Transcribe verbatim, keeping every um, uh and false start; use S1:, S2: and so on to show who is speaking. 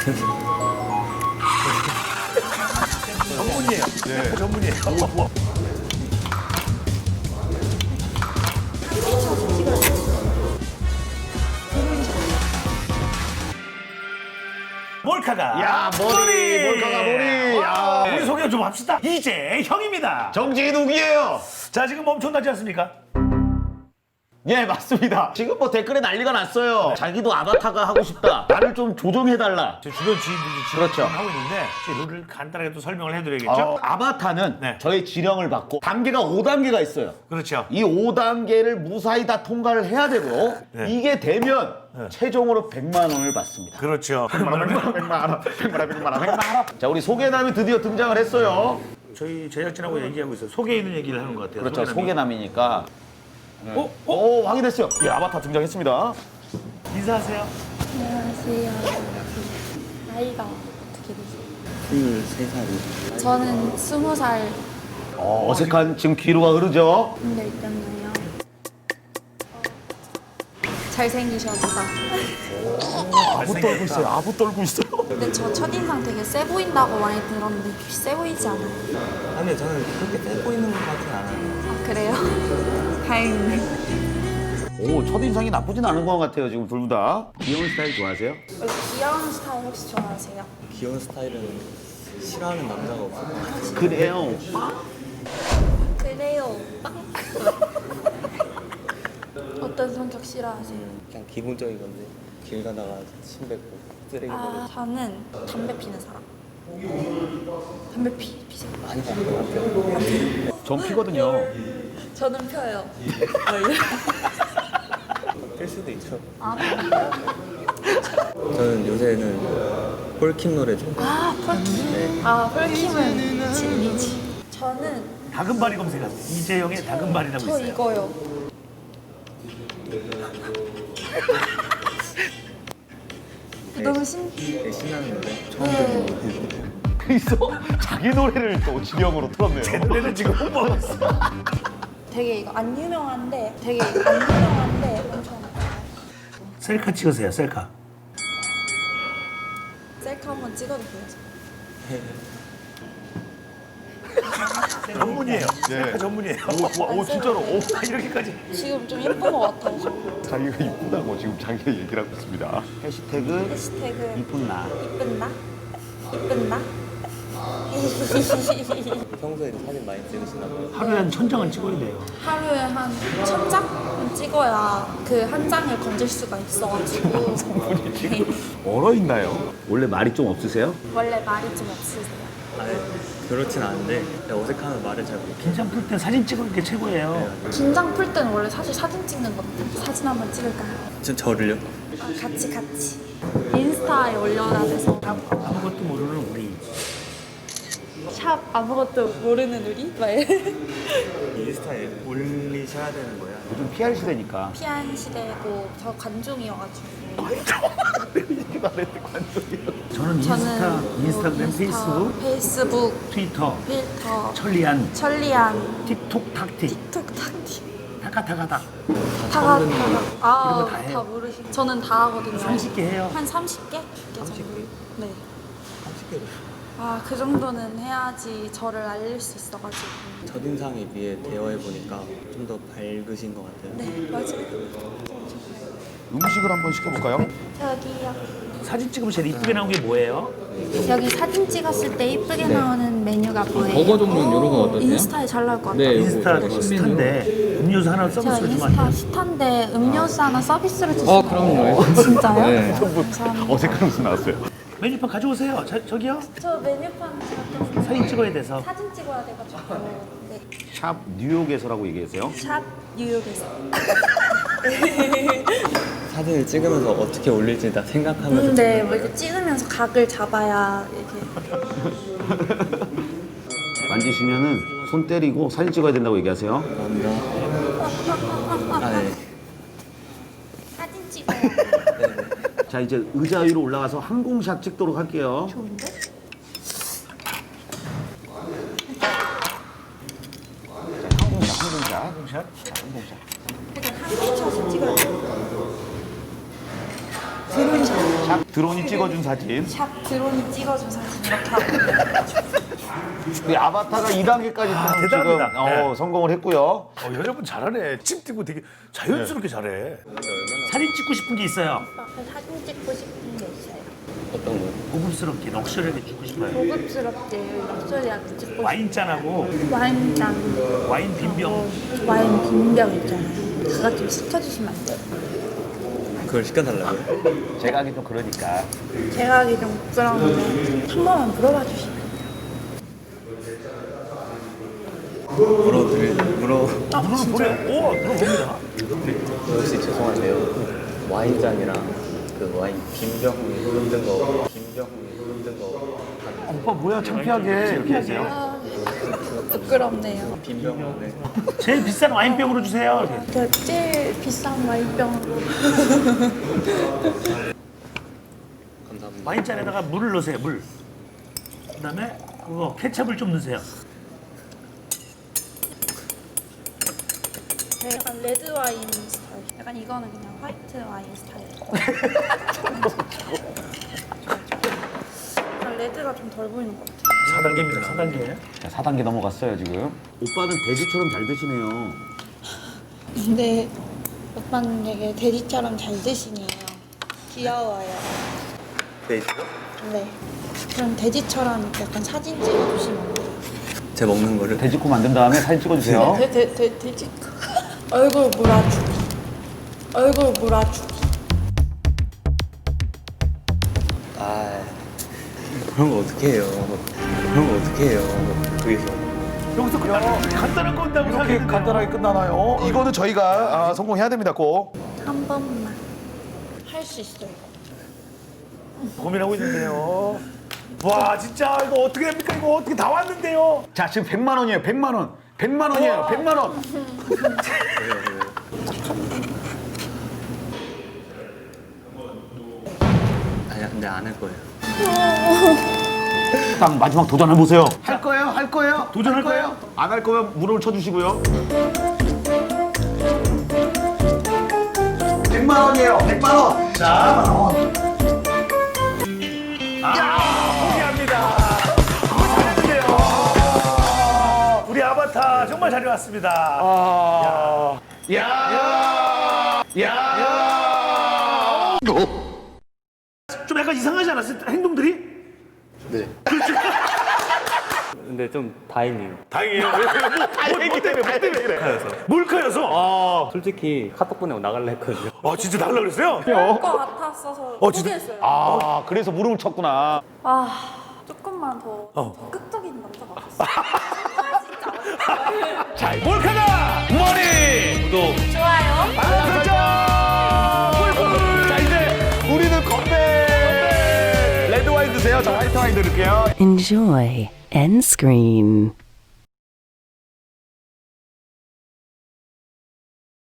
S1: 전문이에요. 네. 전문이에요. 몰카가
S2: 야, 머리, 몰카가 머리. 야.
S1: 우리 소개 좀 합시다. 이재형입니다.
S2: 정진욱이에요.
S1: 자, 지금 엄청나지 않습니까?
S2: 예, 맞습니다. 지금 뭐 댓글에 난리가 났어요. 자기도 아바타가 하고 싶다. 나를 좀 조정해달라.
S1: 제 주변 지인들이 지금
S2: 그렇죠.
S1: 하고 있는데 제 룰을 간단하게 또 설명을 해드려야겠죠?
S2: 어, 아바타는
S1: 네.
S2: 저의 지령을 받고 단계가 오 단계가 있어요.
S1: 그렇죠.
S2: 이 오 단계를 무사히 다 통과를 해야 되고
S1: 네.
S2: 이게 되면
S1: 네.
S2: 최종으로 백만 원을 받습니다.
S1: 그렇죠.
S2: 백만 원, 백만 원, 백만 원, 백만 원, 백만 원, 백만 원. 자, 우리 소개남이 드디어 등장을 했어요.
S1: 저희 제작진하고 얘기하고 있어요. 속에 있는 얘기를 하는 것 같아요.
S2: 그렇죠,
S1: 소개남이.
S2: 소개남이니까.
S1: 어? 어?
S2: 오, 확인됐어요. 예, 아바타 등장했습니다.
S1: 인사하세요.
S3: 안녕하세요. 나이가 어떻게 되세요?
S4: 스물세 살이요.
S3: 저는 스무 살.
S2: 어, 어색한 지금 귀로가 흐르죠.
S3: 근데 있잖아요. 잘생기셨다.
S2: 아부 떨고 있어요. 아부 떨고 있어요.
S3: 근데 저 첫인상 되게 세 보인다고 많이 들었는데 세 보이지 않아요?
S4: 아니 저는 그렇게 떼 보이는 것 같진 않아요.
S3: 아, 그래요? 다행이네.
S2: 오, 첫인상이 나쁘진 않은 것 같아요, 지금 둘 다. 귀여운 스타일 좋아하세요?
S3: 원래 귀여운 스타일 혹시 좋아하세요?
S4: 귀여운 스타일은 싫어하는 남자가 없어요.
S2: 그래요.
S3: 그래요. 빵. 어떤 성격 싫어하세요?
S4: 그냥 기본적인 건데 길 가다가 침 뱉고 쓰레기 버리고
S3: 아, 저는 담배 피는 사람. 담배 피, 피세요?
S4: 많이 바쁜 것 같아요.
S2: 전 피거든요.
S3: 저는 펴요.
S4: 뺄 수도 있죠.
S3: 아, 그래요?
S4: 저는 요새는 폴킴 노래 좀
S3: 아, 폴킴. 아, 폴킴은 진리지. 저는
S1: 다금바리 검색하세요. 이재형의 다금바리라고
S3: 저
S1: 있어요.
S3: 이거요. 너무 신.
S4: 되게 신나는 노래 처음
S3: 네.
S4: 듣는 노래.
S2: 그래서 자기 노래를 또 지령으로 틀었네요.
S1: 제 노래는 지금 홍보하고 있어.
S3: 되게 이거 안 유명한데, 되게 안 유명한데 엄청
S1: 셀카 찍으세요. 셀카.
S3: 셀카 한번 찍어도 보여줘.
S1: 전문이에요. 셀카 전문이에요.
S2: 오, 와, 오, 진짜로. 오,
S1: 아, 이렇게까지.
S3: 지금 좀 예쁜 것 같아요.
S2: 자기가 이쁘다고 지금 자기가 얘기를 하고 있습니다. 해시태그
S3: 해시태그
S2: 이쁜 나.
S3: 이쁜 나? 이쁜 나?
S4: 평소에 사진 많이 찍으시나 봐요.
S1: 하루에 한 천 장은 찍어야 돼요.
S3: 하루에 한 천 장 찍어야 그 한 장을 건질 수가 있어가지고.
S2: 얼어 있나요? 원래 말이 좀 없으세요?
S3: 원래 말이 좀 없으세요.
S4: 아니 그렇진 않은데 그냥 어색하면 말을 잘 못해요.
S1: 긴장 풀 때 사진 찍는 게 최고예요.
S3: 긴장 풀 때는 원래 사실 사진 찍는 건데 사진 한번 찍을까요?
S4: 저, 저를요?
S3: 아, 같이 같이 인스타에 올려놔야 돼서
S1: 참 아무것도 모르는 우리.
S3: 샵 아무것도 모르는 우리? 막 이래.
S4: 인스타에 올리셔야 되는 거야.
S2: 요즘 피알 시대니까.
S3: 피한 시대고 저 관중이어가지고
S1: 저는 인스타,
S3: 저는
S1: 인스타그램,
S3: 뭐 인스타,
S1: 페이스북,
S3: 페이스북,
S1: 트위터,
S3: 필터,
S1: 천리안,
S3: 천리안,
S1: 틱톡, 탁틱,
S3: 틱톡, 탁틱
S1: 타카타카다.
S3: 다가
S1: 이런
S3: 아,
S1: 거다 해요.
S3: 다 모르시. 저는 다 하거든요.
S1: 삼십 개 해요.
S3: 한 삼십 개? 정도. 네.
S4: 삼십 개로.
S3: 아, 그 정도는 해야지 저를 알릴 수 있어가지고.
S4: 첫인상에 비해 대화해보니까 좀 더 밝으신 것 같아요.
S3: 네, 맞아요.
S2: 음식을 한번 시켜볼까요?
S3: 저기요.
S1: 사진 찍으면 제일 이쁘게 나온 게 뭐예요?
S3: 여기 사진 찍었을 때 이쁘게 나오는 메뉴가 뭐예요?
S5: 버거 종류는 이런 건 어떠세요?
S3: 인스타에 잘 나올 것 같아요.
S5: 네,
S1: 인스타
S5: 이거
S1: 스타인데 음료수 하나
S3: 제가
S1: 서비스로 주면 안
S3: 인스타
S1: 돼요?
S3: 스타인데 음료수 하나 서비스로 주시나요?
S5: 어, 그럼요.
S3: 진짜요?
S5: 네.
S3: 감사합니다.
S2: 어색한 웃음 나왔어요.
S1: 메뉴판 가져오세요. 저, 저기요.
S3: 저 메뉴판 제가 좀
S1: 사진 찍어야 돼서.
S3: 사진 찍어야 돼가지고. 네.
S2: 샵 뉴욕에서라고 얘기하세요.
S3: 샵 뉴욕에서.
S4: 사진을 찍으면서 어떻게 올릴지 다 생각하면서
S3: 음, 네, 뭐 이렇게 찍으면서 각을 잡아야 이렇게.
S2: 만지시면은 손 때리고 사진 찍어야 된다고 얘기하세요.
S4: 감사합니다. 아, 네.
S3: 사진 찍어요.
S2: 자, 이제 의자 위로 올라가서 항공샷 찍도록 할게요.
S3: 좋은데?
S2: 항공샷, 항공샷.
S1: 샷.
S2: 항공샷.
S3: 약간 한국샷을 찍어야 돼. 드론샷.
S2: 샵 드론이 찍어준 사진.
S3: 샵 드론이 찍어준 사진 이렇게 하고.
S2: 우리 아바타가 이 단계까지
S1: 아,
S2: 지금
S1: 대단합니다.
S2: 어,
S1: 네.
S2: 성공을 했고요.
S1: 어, 여자분 잘하네. 침 튀고 되게 자연스럽게 잘해. 사진 찍고 싶은 게 있어요.
S3: 사진 찍고 싶은 게 있어요.
S4: 어떤 거?
S1: 고급스럽게 럭셔리하게 찍고 싶어요.
S3: 고급스럽게 럭셔리하게 찍고
S1: 와인잔하고
S3: 싶어요. 와인잔,
S1: 와인 빈병.
S3: 와인 빈병 있잖아요. 그거 좀 시켜주시면 안 돼요?
S4: 그걸 시켜달라고요?
S2: 제가 하기 좀 그러니까.
S3: 제가 하기 좀 부끄러운데 한 번만 물어봐 주시면 돼요.
S4: 물어드릴 물어
S3: 아,
S1: 물을
S3: 진짜?
S1: 보내. 오, 들어봅니다.
S4: 혹시 죄송한데요. 와인잔이랑 그 와인 빈병 흔든 거 빈병 흔든 거
S2: 오빠 뭐야 창피하게 이렇게 하세요.
S3: 아, 부끄럽네요.
S4: 빈병 네.
S1: 제일 비싼 와인병으로 주세요. 이렇게.
S3: 그 제일 비싼 와인병으로.
S4: 감사합니다.
S1: 와인잔에다가 물을 넣으세요. 물. 그다음에 그거 케첩을 좀 넣으세요.
S3: 약간 레드 와인 스타일. 약간 이거는 그냥 화이트 와인 스타일. 약간 레드가 좀 덜 보이는 것 같아요.
S1: 사 단계입니다. 사 단계.
S2: 자, 사 단계 넘어갔어요 지금. 오빠는 돼지처럼 잘 드시네요.
S3: 근데 오빠는 되게 돼지처럼 잘 드시네요. 귀여워요.
S4: 네.
S3: 네. 그럼 돼지처럼 약간 사진 찍어주시면 안 돼요?
S4: 제 먹는 거를
S2: 돼지코 만든 다음에 사진 찍어주세요.
S3: 돼, 돼, 돼, 돼지. 얼굴 몰아주기. 얼굴 몰아주기.
S4: 아 그런 거 어떻게 해요? 그런 거 어떻게 해요? 거기서
S1: 여기서 끝나. 간단한 거 온다고
S2: 이렇게
S1: 생각했는데.
S2: 간단하게 끝나나요? 이거는 저희가 아, 성공해야 됩니다 꼭.
S3: 한 번만. 할 수 있어요.
S1: 고민하고 있는데요. 와, 진짜 이거 어떻게 됩니까? 이거 어떻게 다 왔는데요?
S2: 자 지금 백만 원이에요. 백만 원. 백만 원이에요. 백만 원.
S4: 아니 근데 안 할 거예요.
S2: 딱 마지막 도전해 보세요. 할 거예요? 할 거예요?
S1: 도전할 거예요?
S2: 안 할 거면 무릎을 쳐주시고요. 백만 원이에요. 백만 원. 자, 백만 원.
S1: 포기합니다. 잘했네요. 우리 아바타 정말 잘해왔습니다.
S2: 아, 야, 야, 야.
S1: 좀 약간 이상하지 않았어요? 행동들이?
S4: 네. 근데 좀 다행이에요.
S1: 다행이에요. 뭐, 뭐, 뭐 때문에? 뭐 때문에 그래? 몰카여서? 아,
S4: 솔직히 카톡 보내고 나갈라 했거든요.
S1: 아 진짜 날라 그랬어요?
S3: 그럴 것 같았어서
S1: 어, 진짜?
S3: 포기했어요.
S2: 아, 그래서 무릎을 쳤구나.
S3: 아, 조금만 더,
S1: 어.
S3: 더 극적인 남자가 왔어요. 아, 진짜.
S1: 자, 몰카다! 머리! 구독!
S3: 좋아요.
S1: 알람 설정! 자, 이제
S2: 우리는 건배. 레드 와인 드세요. 저 화이트 와인 드릴게요.
S6: Enjoy end screen.